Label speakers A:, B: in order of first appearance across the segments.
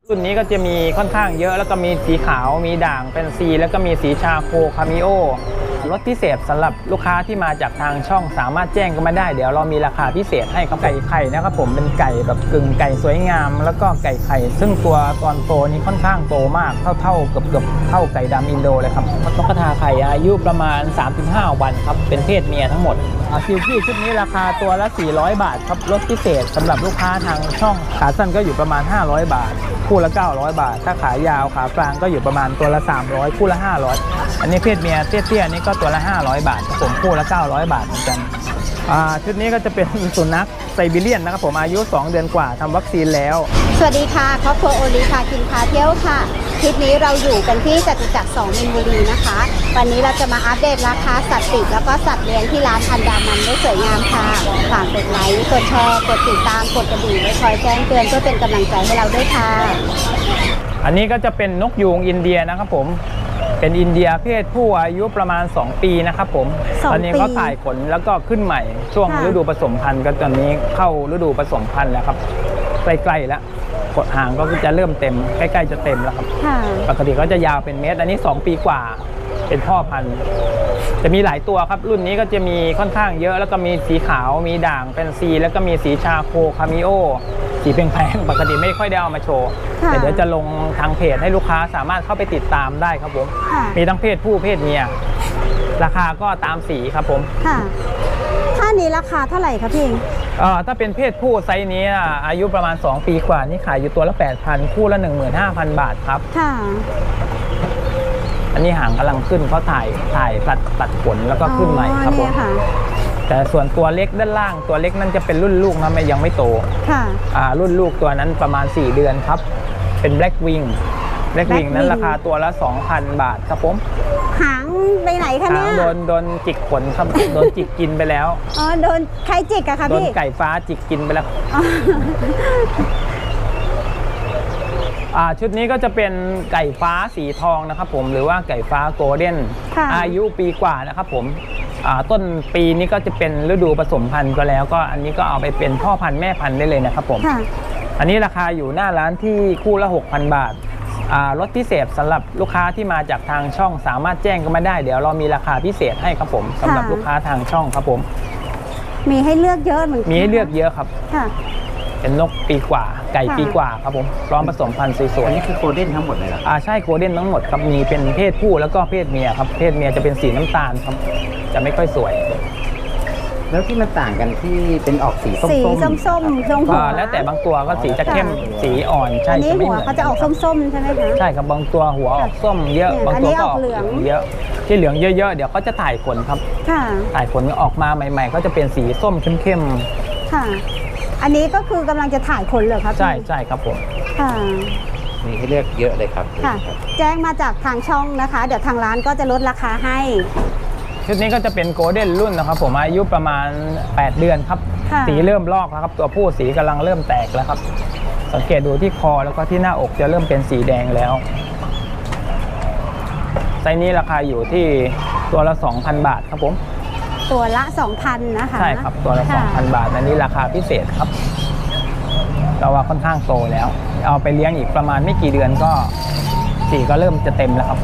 A: รุ่นนี้ก็จะมีค่อนข้างเยอะแล้วก็มีสีขาวมีด่างแฟนซีแล้วก็มีสีชาโคคามิโอรถพิเศษสำหรับลูกค้าที่มาจากทางช่องสามารถแจ้งกันมาได้เดี๋ยวเรามีราคาพิเศษให้ครับไก่ไข่นะครับผมเป็นไก่แบบกึ่งไก่สวยงามแล้วก็ไก่ไข่ซึ่งตัวตอนโตนี้ค่อนข้างโตมากเท่าเกือบเท่าไก่ดำอินโดเลยครับนกกระทาไข่อายุประมาณ 3-5 วันครับเป็นเพศเมียทั้งหมดซิลกี้ชุดนี้ราคาตัวละ400 บาทครับรถพิเศษสำหรับลูกค้าทางช่องขาสั้นก็อยู่ประมาณ500 บาทคู่ละ900 บาทถ้าขายาวขากลางก็อยู่ประมาณตัวละ300คู่ละ500อันนี้เพศเมียเตี้ยๆนี่ก็ตัวละ500 บาทผมคู่ละ900 บาทเหมือนกันชุดนี้ก็จะเป็นสุนัขไซบีเรียนนะครับผมอายุ2 เดือนกว่าทำวัคซีนแล้ว
B: สวัสดีค่ะครอบครัวโอลีค่ะกินพาเที่ยวค่ะคลิปนี้เราอยู่กันที่จตุจักร2 มินบุรีนะคะวันนี้เราจะมาอัปเดตราคาสัตว์ปีกแล้วก็สัตว์เลี้ยงที่ร้านอันดามันได้สวยงามค่ะฝากกดไลค์กดแชร์กดติดตามกดกระดิ่งไว้คอยแจ้งเตือนเพื่อเป็นกำลังใจให้เราด้วยค่ะ
A: อันนี้ก็จะเป็นนกยูงอินเดียนะครับผมเป็นอินเดียเพศผู้อายุประมาณ2 ปีนะครับผมตอนนี้เขาถ่ายขนแล้วก็ขึ้นใหม่ช่วงฤดูผสมพันธุ์ก็ตอนนี้เข้าฤดูผสมพันธุ์แล้วครับใกล้ๆแล้วกดหางก็จะเริ่มเต็มใกล้ๆจะเต็มแล้วครับปกติก็จะยาวเป็นเมตรอันนี้2 ปีกว่าเป็นพ่อพันธุ์จะมีหลายตัวครับรุ่นนี้ก็จะมีค่อนข้างเยอะแล้วก็มีสีขาวมีด่างแฟนซีแล้วก็มีสีชาโคคามิโอสีแพงๆปกติไม่ค่อยได้เอามาโชว์แต่เดี๋ยวจะลงทางเพจให้ลูกค้าสามารถเข้าไปติดตามได้ครับผมมีทั้งเพศผู้เพศเมียราคาก็ตามสีครับผม
B: ถ้านี้ราคาเท่าไหร่ครับพี่
A: ถ้าเป็นเพศผู้ไซส์นี้อายุประมาณ2 ปีกว่านี่ขายอยู่ตัวละ 8,000 คู่ละ 15,000 บาทครับอันนี้หางกำลังขึ้นเขาถ่ายตัดขนแล้วก็ขึ้นใหม่ครับผมแต่ส่วนตัวเล็กด้านล่างตัวเล็กนั่นจะเป็นรุ่นลูกนะยังไม่โตรุ่นลูกตัวนั้นประมาณ4 เดือนครับเป็นแบล็กวิงนั้นราคาตัวละ 2,000 บาทครับผม
B: หางไปไหนคะเนี่ย
A: โดนจิกขนครับโดนจิกกินไปแล้ว
B: โดนใครจิกอะคะพี่
A: โดนไก่ฟ้าจิกกินไปแล้วชุดนี้ก็จะเป็นไก่ฟ้าสีทองนะครับผมหรือว่าไก่ฟ้าโกลเด้นอายุปีกว่านะครับผมต้นปีนี้ก็จะเป็นฤดูผสมพันธุ์ก็แล้วก็อันนี้ก็เอาไปเป็นพ่อพันธุ์แม่พันธุ์ได้เลยนะครับผมอันนี้ราคาอยู่หน้าร้านที่คู่ละ 6,000 บาทรถพิเศษสำหรับลูกค้าที่มาจากทางช่องสามารถแจ้งกันมาได้เดี๋ยวเรามีราคาพิเศษให้ครับผมสำหรับลูกค้าทางช่องครับผม
B: มีให้เลือกเยอะเหมือนกัน
A: มีให้เลือกเยอะครับเป็นนกปีกว่าไก่ปีกว่าครับผมพร้อมผสมพันธุ์สวยๆ
C: อันนี้คือโกลเด้นทั้งหมดเลยเหรอ
A: ใช่โกลเด้นทั้งหมดครับมีเป็นเพศผู้แล้วก็เพศเมียครับเพศเมียจะเป็นสีน้ำตาลครับจะไม่ค่อยสวย
C: แล้วที่มันต่างกันที่เป็นออกสีส้
B: ม
A: แล้วแต่บางตัวก็สีจะเข้มสีอ่อนใช่
B: จะไม่เหมือนเขาจะออกส้มๆใช่ไหมคะ
A: ใช่ครับบางตัวหัวออกส้มเยอะบางตัวก็ออกเหลืองเยอะที่เหลืองเยอะๆเดี๋ยวเขาจะถ่ายขนครับถ่ายขนออกมาใหม่ๆก็จะเป็นสีส้มเข้ม
B: ๆค่ะอันนี้ก็คือกำลังจะถ่ายขนเลยครับ
A: ใช่ครับผม
C: มีให้เลือกเยอะเลยครับ
B: แจ้งมาจากทางช่องนะคะเดี๋ยวทางร้านก็จะลดราคาให้
A: ชุดนี้ก็จะเป็นโกลเด้นรุ่นนะครับผมอายุประมาณ8 เดือนครับสีเริ่มลอกแล้วครับตัวผู้สีกำลังเริ่มแตกแล้วครับสังเกตดูที่คอแล้วก็ที่หน้าอกจะเริ่มเป็นสีแดงแล้วไซส์นี้ราคาอยู่ที่ตัวละ 2,000 บาทครับผม
B: ตัวละ 2,000 นะคะ
A: ใช่ครับตัวละ 2,000 บาทอันนี้ราคาพิเศษครับเราว่าค่อนข้างโตแล้วเอาไปเลี้ยงอีกประมาณไม่กี่เดือนก็สีก็เริ่มจะเต็มแล้วครับ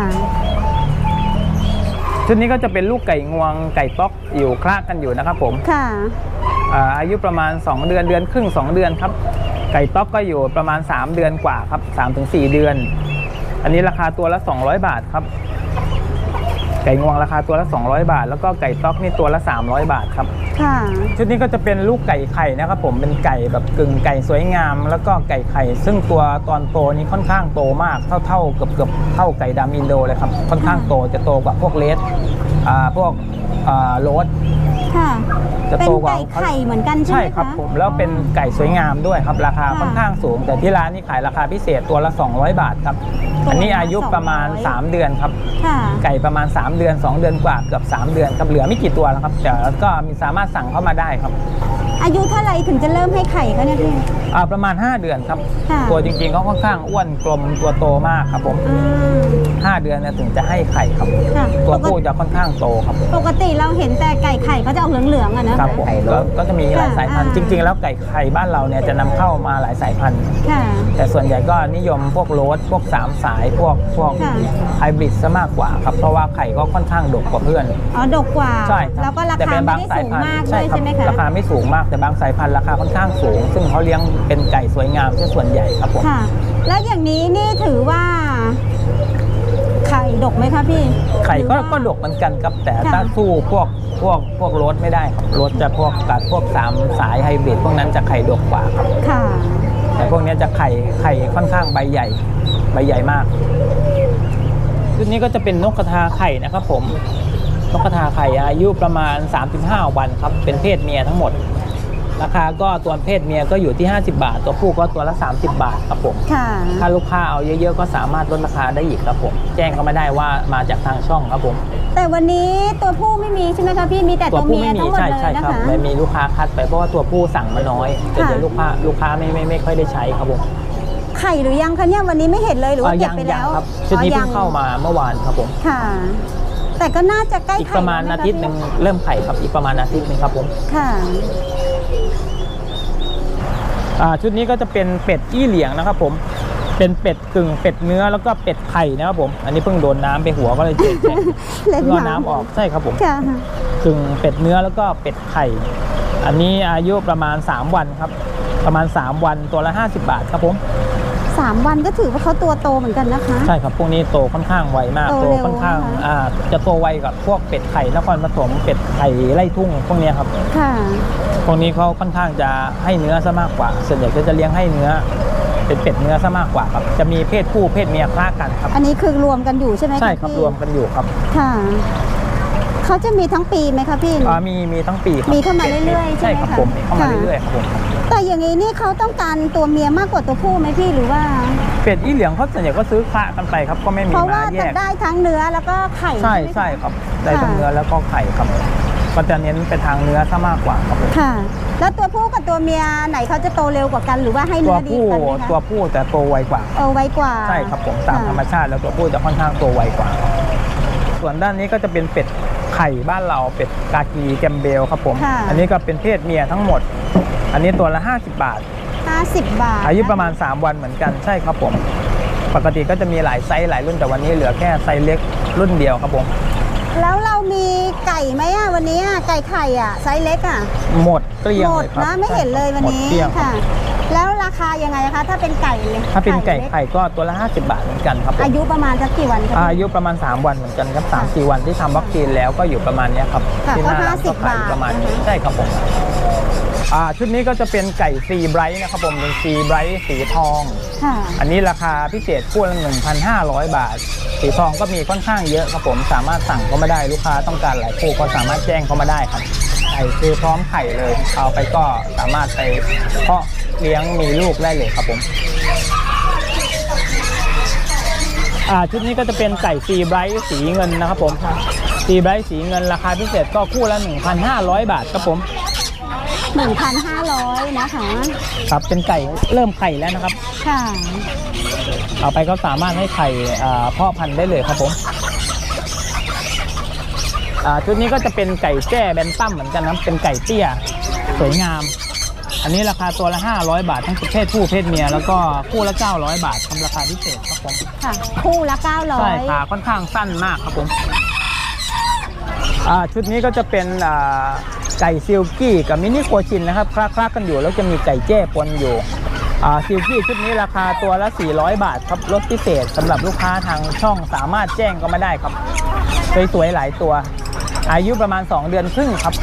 A: ชุดนี้ก็จะเป็นลูกไก่งวงไก่ต๊อกอยู่คลากันอยู่นะครับผมอายุประมาณ2 เดือนครึ่ง2 เดือนครับไก่ต๊อกก็อยู่ประมาณ3 เดือนกว่าครับ 3-4 เดือนอันนี้ราคาตัวละ200 บาทครับไก่งวงราคาตัวละ200 บาทแล้วก็ไก่ต๊อกนี่ตัวละ300 บาทครับชุดนี้ก็จะเป็นลูกไก่ไข่นะครับผมเป็นไก่แบบกึ่งไก่สวยงามแล้วก็ไก่ไข่ซึ่งตัวตอนโตนี้ค่อนข้างโตมากเท่าเกือบเท่าไก่ดำอินโดเลยครับค่อนข้างโตจะโตกว่าพวกเลสพวกโรส
B: จะโตกว่าเป็นไก่ไข่เหมือนกันใช่ไหมคะ
A: ใช่ครับผมแล้วเป็นไก่สวยงามด้วยครับราคาค่อนข้างสูงแต่ที่ร้านนี้ขายราคาพิเศษตัวละ200 บาทครับอันนี้อายุประมาณ3 เดือนครับไก่ประมาณ3 เดือน2 เดือนกว่าเกือบ3 เดือนครับเหลือไม่กี่ตัวแล้วครับแต่ก็มีสามารถสั่งเข้ามาได้ครับ
B: อายุเท่าไหร่ถึงจะเริ่มให้ไข่เขาเนี่ยพี่
A: ประมาณ 5 เดือนครับ
B: ค่ะ
A: ตัวจริงๆเขาค่อนข้างอ้วนกลมตัวโตมากครับผม
B: อืม
A: 5 เดือนเนี่ยถึงจะให้ไข่ครับ
B: ค่ะ
A: ตัวผู้จะค่อนข้างโตครับ
B: ปกติเราเห็นแต่ไก่ไข่เขาจะออกเหลืองๆอะนะครับ
A: ผม
C: ไข่ลด
A: ก็จะมีหลายสายพันธุ์
B: ค่ะ
A: จริง ๆ แล้วไก่ไข่บ้านเราเนี่ยจะนำเข้ามาหลายสายพันธุ์
B: ค่ะ
A: แต่ส่วนใหญ่ก็นิยมพวกโรสพวก3 สายพวก
B: ค่ะ
A: ไฮบริดซะมากกว่าครับเพราะว่าไข่ก็ค่อนข้างดกกว่าเพื่อน
B: อ๋อดกกว่า
A: ใช่ครับ
B: แล้วก็รา
A: แต่
B: คา
A: เป็น
B: ไม่
A: บาง
B: ได้
A: สาย
B: สูง
A: พันธุ์
B: มากด้วย
A: ครับ
B: ใช่ไหมคะ
A: ราคาไม่สูงมากแต่บางสายพันธุ์ราคาค่อนข้างสูง ซึ่งเขาเลี้ยงเป็นไก่สวยงามซะส่วนใหญ่ครับผม
B: ค่ะ แล้วอย่างนี้นี่ถือว่าไข่ดกไหมคะพี่
A: ไข่
B: หรือ
A: ก็
B: ว่า
A: ก็ดกเหมือนกันครับแต่
B: ค่ะ
A: ถ้าสู้พวกโรสไม่ได้ครับโรสจะพวกกัดพวก3 สายไฮบริดพวกนั้นจะไข่ดกกว่าครับ
B: ค่ะ
A: แต่พวกนี้จะไข่ค่อนข้างใบใหญ่มากชุดนี้ก็จะเป็นนกกระทาไข่นะครับผมนกกระทาไข่อายุประมาณ 35 วันครับเป็นเพศเมียทั้งหมด ราคาก็ตัวเพศเมียก็อยู่ที่50 บาท ตัวผู้ก็ตัวละ30 บาทครับผม
B: ค่ะ
A: ถ้าลูกค้าเอาเยอะๆก็สามารถลดราคาได้อีกครับผมแจ้งก็ไม่ได้ว่ามาจากทางช่องครับผม
B: แต่วันนี้ตัวผู้ไม่มีใช่ไหมคะพี่มีแต่
A: ตั
B: ตัว ว
A: ผู้
B: เมีย
A: ไม่มี
B: ทั้งหมด
A: ใช่
B: เลย
A: ใช่
B: นะครับ คะ
A: ไม่มีลูกค้าคัดไปเพราะว่าตัวผู้สั่งมาน้อยแต่เดี๋ยวลูกค้าไม่ค่อยได้ใช้ครับผม
B: ไข่หรือยังคะเนี่ยวันนี้ไม่เห็นเลยหรือว่าเก็บไปแล้ว
A: ครับชุดนี้
B: อ๋อ
A: เพิ่
B: ยัง
A: เข้ามาเมื่อวานครับผม
B: ค่ะ แต่ก็น่าจะใกล้
A: อีก
B: ไข่
A: ประมาณ
B: แล้ว
A: อา
B: ไหคะ
A: ทิตย์หนึ่งเริ่มไข่ครับอีกประมาณอาทิตย์หนึ่งครับผม
B: ค่ะ
A: ชุดนี้ก็จะเป็นเป็ดอี้เหลียงนะครับผมเป็นเป็ดกึ่งเป็ดเนื้อแล้วก็เป็ดไข่นะครับผมอันนี้เพิ่งโดนน้ำไปหัวก็เลยเจ็บ
B: เล่น
A: ก็
B: น้ำ
A: น้ำออกใช่ครับผม
B: ค่ะ
A: กึ่งเป็ดเนื้อแล้วก็เป็ดไข่ อันนี้อายุประมาณ3 วันครับประมาณ3 วันตัวละ50 บาทครับผม
B: 3 วันก็ถือว่าเขาตัวโตเหมือนกันนะคะ
A: ใช่ครับพวกนี้โตค่อนข้างไวมาก
B: โต
A: โต
B: เร็ว
A: ค่อนข้าง
B: นะคะ
A: จะโตไวกับพวกเป็ดไข่นครปฐมเป็ดไข่ไร่ทุ่งพวกเนี้ยครับ
B: ค่ะ
A: พวกนี้เขาค่อนข้างจะให้เนื้อซะมากกว่า ส่วนใหญ่ก็จะเลี้ยงให้เนื้อเป็นเป็ดเนื้อซะมากกว่าครับจะมีเพศผู้เพศเมียคล้ากันครับ
B: อันนี้คือรวมกันอยู่ใช่ไหมะ
A: ใช่ครับ
B: พี่
A: รวมกันอยู่ครับ
B: ค่ะเขาจะมีทั้งปีไหมคะพี่
A: มีทั้งปีครับ
B: มีเข้ามาเรื่อยๆใช่
A: ใช่
B: ไหม
A: ครับ
B: คะ
A: ผมมีเข้ามา
B: ค่ะ
A: เรื่อยๆครับผม
B: แต่อย่างนี้นี่เขาต้องการตัวเมียมากกว่าตัวผู้ไหมพี่หรือว่า
A: เป็ดอี้เหลียงเขาส่วนใหญ่ก็ซื้อคละกันไปครับก็ไม่มี
B: เพราะ
A: มา
B: ว่า
A: แย
B: จะ
A: ก
B: ได้ทั้งเนื้อแล้วก็ไข่
A: ใช่
B: ไหมคะ
A: ใช่ครับได้ทั้ง
B: ค่ะ
A: เนื้อแล้วก็ไข่ครับก็จะเน้นไปทางเนื้อซะมากกว่าครับผม
B: ค่ะ แล้วตัวผู้กับตัวเมียไหนเขาจะโตเร็วกว่ากันหรือว่าให้
A: ตั
B: เนื้
A: ว
B: อดี
A: ผู้
B: กันไหมคะ
A: ตัวผู้แต่โตไวกว่า
B: โตไวกว่า
A: ใช่ครับผมตาม
B: ค่ะ
A: ธรรมชาติแล้วตัวผู้จะค่อนข้างโตไวกว่า ส่วนด้านนี้ก็จะเป็นเป็ดไข่บ้านเราเป็ดกากีแกมเบลครับผม
B: ค่ะ
A: อันนี้ก็เป็นเพศเมียทั้งหมด อันนี้ตัวละ50 บาท
B: 50 บาท
A: อายุประมาณ 3 วันเหมือนกันใช่ครับผม ปกติก็จะมีหลายไซส์หลายรุ่นแต่วันนี้เหลือแค่ไซส์เล็กรุ่นเดียวครับผม
B: แล้วเรามีไก่ไหมอ่ะวันนี้อ่ะไก่ไข่อ่ะไซส์เล็กอ่ะ
A: หมดเกลี้ยง
B: หม
A: เล
B: ด
A: ยครับ
B: นะไม่เห็นเลยวันนี้
A: หมดเกลี้ยงครับ
B: ค่ะ แล้วราคายังไงคะถ้าเป็นไก่เลย
A: ถ้าเป็นไก่
B: ล็
A: ไข่ก็ตัวละ50 บาทเหมือนกันครับผม
B: อายุประมาณสักกี่วันคะ
A: อายุประมาณ 3 วันเหมือนกันครับ3-4 วันที่ทำวัคซีนแล้วก็อยู่ประมาณเนี้ยครับ
B: ค่ะ
A: ที่หน้าร้าน
B: ก็
A: ก็ขายอยู่ประมาณนี้
B: 50 บาทนะคะ
A: ใช่ครับผมชุดนี้ก็จะเป็นไก่ซีไบรท์นะครับผมเป็นซีไบรท์สีทอง
B: ค่ะ
A: อันนี้ราคาพิเศษคู่ละ 1,500 บาท สีทองก็มีค่อนข้างเยอะครับผมสามารถสั่งก็มาได้ลูกค้าต้องการหลายคู่ก็สามารถแจ้งเข้ามาได้ครับไข่คือพร้อมไข่เลยเอาไปก็สามารถไปเพาะเลี้ยงมีลูกได้เลยครับผมชุดนี้ก็จะเป็นไก่ซีไบรท์สีเงินนะครับผมซีไบรท์สีเงินราคาพิเศษก็คู่ละ 1,500 บาทครับผม
B: 1,500 นะคะ
A: ครับเป็นไก่เริ่มไข่แล้วนะครับ
B: ค่ะ
A: เอาไปก็สามารถให้ไข่พ่อพันธุ์ได้เลยครับผมชุดนี้ก็จะเป็นไก่แจ้แบนตั้มเหมือนกันนะเป็นไก่เตี้ยสวยงาม อันนี้ราคาตัวละ500 บาททั้งเพศผู้เพศเมียแล้วก็คู่ละ900 บาททำราคาพิเศษครับผม
B: ค่ะ คู่ละ
A: ใช่ขา
B: 900
A: ค่อนข้างสั้นมากครับผมชุดนี้ก็จะเป็นไก่ซิลกี้กับมินิโคชินนะครับคลากันอยู่แล้วจะมีไก่แจ้ปนอยู่ซิลกี้ชุดนี้ราคาตัวละ400 บาทครับลดพิเศษสำหรับลูกค้าทางช่องสามารถแจ้งก็มาได้ครับสวยๆหลายตัว อายุประมาณ2 เดือนครึ่งครับ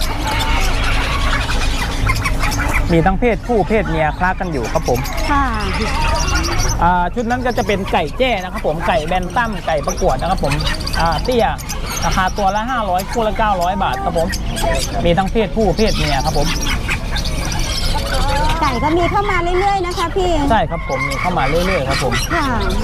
A: มีทั้งเพศผู้เพศเมียคลากันอยู่ครับผม
B: ค่ะ
A: ชุดนั้นก็จะเป็นไก่แจ้นะครับผมไก่แบนตั้มไก่ประกวดนะครับผมเตี้ยราคาตัวละ500คู่ละ900 บาทครับผมมีทั้งเพศผู้เพศเมียครับผม
B: ไก่ก็มีเข้ามาเรื่อยๆนะคะพี่
A: ใช่ครับผมมีเข้ามาเรื่อยๆครับผม
B: ค่ะ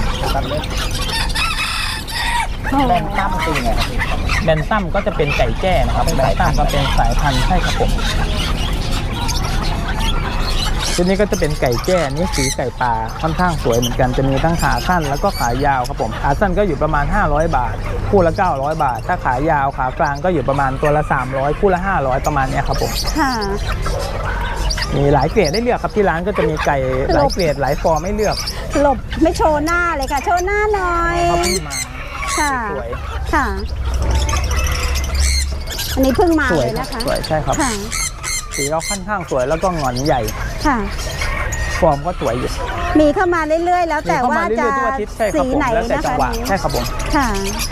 C: แบนตั้มตีไงครับพี่
A: แบนตั้มก็จะเป็นไก่แจ้นะครับแบนตั้มก็เป็นสายพันธุ์ใช่ครับผมชุดนี้ก็จะเป็นไก่แจ้นี่สีไก่ป่าค่อนข้างสวยเหมือนกันจะมีทั้งขาสั้นแล้วก็ขายาวครับผมขาสั้นก็อยู่ประมาณ500 บาทคู่ละ900 บาทถ้าขายาวขากลางก็อยู่ประมาณตัวละ300คู่ละ500ประมาณนี้ครับผม
B: ค่ะ
A: มีหลายเกรดได้เลือกครับที่ร้านก็จะมีไก่หลายเกรดหลายฟอร์มให้เลือก
B: หลบไม่โชว์หน้าเลยค่ะ โชว์หน้าหน่อย
A: เขาเพิ่งมา
B: ค่ะ
A: สวย
B: ค่ะ อันนี้เพิ่งมา
A: สวย
B: เลย
A: ครับ
B: นะคะ
A: สวยใช่ครับ
B: ค่ะ
A: สีก็ค่อนข้างสวยแล้วก็หงอนใหญ่
B: ค่ะ
A: ฟอร์มก็สวยอยู่
B: มีเข้ามาเรื่อยๆ แล้วแต่
A: มีเข้
B: ว่า
A: มาเรื่
B: จะ
A: อยๆทุกอาทิตย์ใช่ครับ
B: สี
A: ผม
B: ไหน
A: แล้วแต่
B: นะ
A: จัง
B: คะ
A: หวะ
B: นี้
A: ใช่ครับผม
B: ค่ะ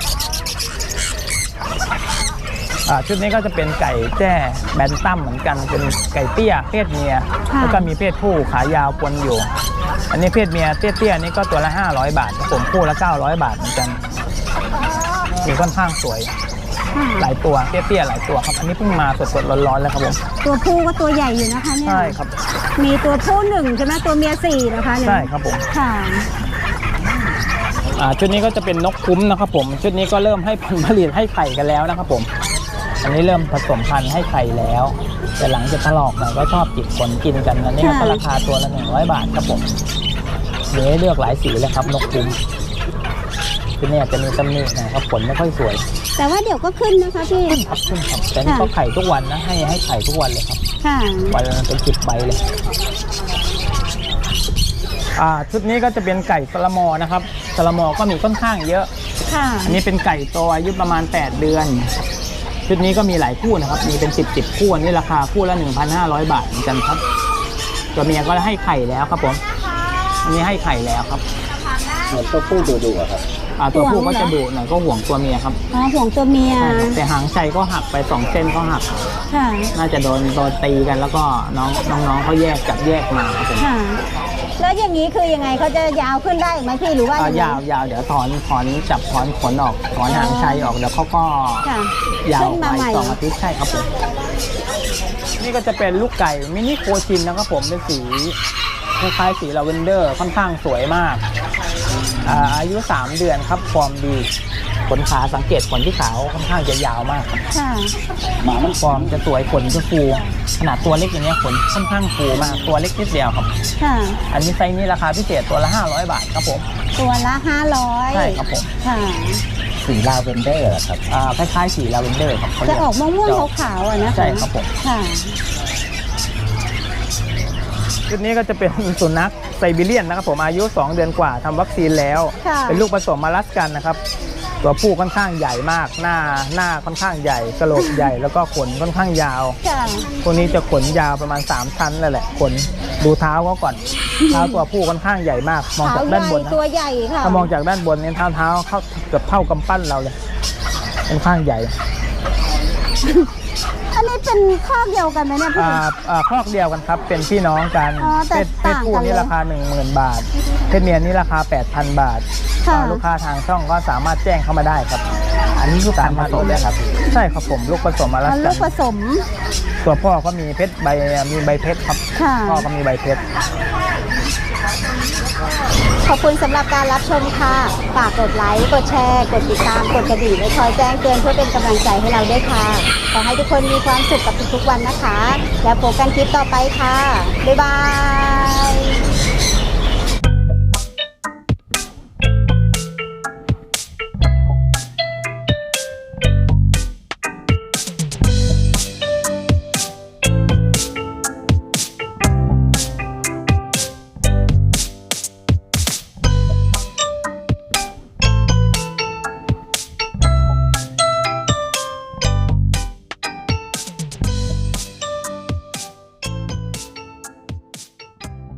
A: ชุดนี้ก็จะเป็นไก่แจ้แบนตัมเหมือนกันเป็นไก่เตี้ยเพศเมีย
B: ค่ะ
A: แล้วก็มีเพศผู้ขายาวปนอยู่ อันนี้เพศเมียเตี้ยๆนี่ก็ตัวละ500 บาทครับผมคู่ละ900 บาทเหมือนกันมีค่อนข้างสวย
B: ค่ะ
A: หลายตัวเตี้ยๆหลายตัวครับอันนี้เพิ่งมาสดๆร้อนๆเลยครับผม
B: ตัวผู้ก็ตัวใหญ่อยู่นะคะเนี่ย
A: ใช่ครับ
B: มีตัวผู้1ใช่ไหมตัวเมีย4นะคะเนี่ย
A: ใช่ครับผม
B: ค่ะ
A: ชุดนี้ก็จะเป็นนกคุ้มนะครับผมชุดนี้ก็เริ่มให้ผลผลิตให้ไข่กันแล้วนะครับผมอันนี้เริ่มผสมพันธุ์ให้ไข่แล้ว แต่หลังจากถลอกหน่อยก็ชอบจิกขนกินกันอันนี้ก็ราคาตัวละ100 บาทครับผมเดี๋ยวให้เลือกหลายสีเลยครับนกคุ้มชุดนี้อาจจะมีตำหนิหนะครับผลไม่ค่อยสวย
B: แต่ว่าเดี๋ยวก็ขึ้นนะคะพี่
A: ครับขึ้นครับแต่นี่ก็ไข่ทุกวันนะให้ไข่ทุกวันเลยครับ
B: ค่ะ
A: วันละเป็น10 ใบเลยชุดนี้ก็จะเป็นไก่สลามอนะครับสลามอก็มีค่อนข้างเยอะ
B: ค่ะ
A: อันนี้เป็นไก่โตอายุประมาณ8 เดือนชุดนี้ก็มีหลายคู่นะครับมีเป็น10คู่อันนี้ราคาคู่ละ 1,500 บาทเหมือนกันครับตัวเมียก็ให้ไข่แล้วครับผมอันนี้ให้ไข่แล้วครับ
C: ตัวผู้ดุๆอะครับ
A: ตัวผู้ก็จะดุหน่อยก็ห่วงตัวเมียครับ
B: อ๋อห่วงตัวเมีย
A: ใช่ครับแต่หางใจก็หักไป2 เส้นก็หัก
B: ค่ะ
A: น่าจะโดนตีกันแล้วก็น้องเขาแยกจับแยกมาครับผม
B: ค่ะ แล้วอย่างนี้คือยังไงเขาจะยาวขึ้นได้อีกไหมพี่หรือว่ายังไง
A: ยาวเดี๋ยวถอนจับถอนขนออกถอนหางชัยออกเดี๋ยวเขาก็
B: ค่ะ
A: ยาว
B: ขึ้น
A: ไป
B: มาใหม่
A: 2 อาทิตย์ใช่ครับผมนี่ก็จะเป็นลูกไก่มินิโคชินนะครับผมเป็นสีคล้ายๆสีลาเวนเดอร์ค่อนข้างสวยมากอายุ3 เดือนครับฟอร์มดีขนขาสังเกตขนที่ขาวค่อนข้างจะยาวมากครับ
B: ค่ะ
A: หมามันฟอร์มจะสวยขนจะฟูขนาดตัวเล็กอย่างเงี้ยขนค่อนข้างฟูมากตัวเล็กนิดเดียวครับ
B: ค่ะ
A: อันนี้ไซส์นี้ราคาพิเศษตัวละ500 บาทครับผม
B: ตัวละ500
A: ใช่ครับผม
B: ค่ะ
C: สีลาเวนเดอร์เหรอครับ
A: คล้ายๆสีลาเวนเดอร์ครับเขา
B: จะ
A: เรีย
B: ออกม่วงๆขาวๆอ่ะนะคะ
A: ใช่ครับผม
B: ค่ะ
A: ชุดนี้ก็จะเป็นสุนัขไซบีเรียนนะครับผมอายุ2 เดือนกว่าทำวัคซีนแล้ว
B: ค่ะ
A: เป็นลูกผสมมาลัสกันนะครับตัวผู้ค่อนข้างใหญ่มากหน้าค่อนข้างใหญ่กระโหลกใหญ่แล้วก็ขนค่อนข้างยาว
B: ค่ะ
A: พวกนี้จะขนยาวประมาณ3 ชั้นเลยแหละขนดูเท้าเขาก่อนเท้าตัวผู้ค่อนข้างใหญ่มากมอง
B: ขา
A: จาก
B: ให
A: ด้าน
B: ญ่
A: บนนะ
B: ตัวใหญ่ค่ะ
A: ถ้ามองจากด้านบนเนี่ยเท้าเข้าเกือบเท่ากำปั้นเราเลยค่อนข้างใหญ่
B: อันนี้เป็นข้อเดียวกันไหมเนี่ยพี่
A: ครอกเดียวกันครับเป็นพี่น้องกัน
B: อ๋อแต่
A: เพศผู้
B: ต่างกัน
A: นี่
B: เลย
A: ราคา 10,000 บาทเพศเมียนี่ราคา 8,000 บาท
B: ค่ะ
A: ลูกค้าทางช่องก็สามารถแจ้งเข้ามาได้ครับ
C: อันนี้ลูกการผสมเลยครับ
A: ใช่ครับผมลูกผสมมาแล้ว
B: เอาลู
A: กั
B: ก
A: น
B: ผสม
A: ตัวพ่อก็มีเพชรมีใบเพชรครับ
B: ค่ะ
A: พ่อก็มีใบเพชร
B: ขอบคุณสำหรับการรับชมค่ะ ฝากกดไลค์ กดแชร์ กดติดตาม กดกระดิ่งไว้คอยแจ้งเตือนเพื่อเป็นกำลังใจให้เราด้วยค่ะ ขอให้ทุกคนมีความสุขกับทุกๆวันนะคะ แล้วพบกันคลิปต่อไปค่ะ บ๊ายบาย